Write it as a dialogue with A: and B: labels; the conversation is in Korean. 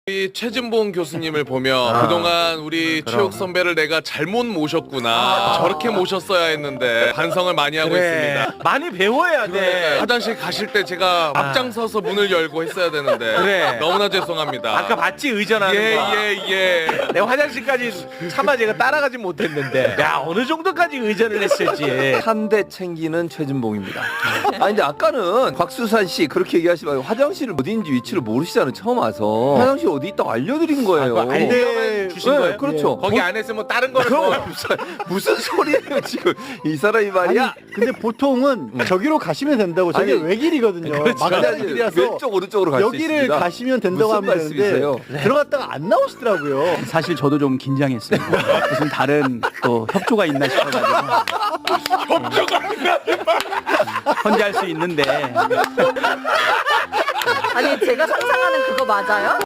A: 우리 최진봉 교수님을 보면 그동안 우리 최욱 선배를 내가 잘못 모셨구나. 저렇게 모셨어야 했는데 반성을 많이 하고 있습니다.
B: 많이 배워야 돼.
A: 화장실 가실 때 제가 앞장서서 문을 열고 했어야 되는데
B: 그래.
A: 너무나 죄송합니다.
B: 아까 봤지 의전하는 거.
A: 예.
B: 내가 화장실까지 차마 제가 따라가지 못했는데. 야 어느 정도까지 의전을 했을지.
C: 한 대 챙기는 최진봉입니다. 아니 근데 아까는 곽수산 씨 그렇게 얘기하지 말고 화장실을 어디인지 위치를 모르시잖아요. 처음 와서 화장실 어디 있다고 알려드린 거예요.
B: 알려 주신
C: 네,
B: 거예요?
C: 그렇죠.
B: 거기 안에서 뭐 다른 거를 뭐.
C: 무슨 소리예요 지금 이 사람이 말이야.
D: 근데 보통은 저기로 가시면 된다고. 저게
C: 아니,
D: 외길이거든요. 막다른 길이라서
C: 왼쪽 오른쪽으로 갈 수 있습니다.
D: 여기를 가시면 된다고
C: 무슨
D: 하면 되는데
C: 말씀이세요?
D: 들어갔다가 안 나오시더라고요.
E: 사실 저도 좀 긴장했습니다. 무슨 다른 또 협조가 있나 싶어가지고. 혼자 할 수 있는데.
F: 아니 제가 상상하는 그거 맞아요?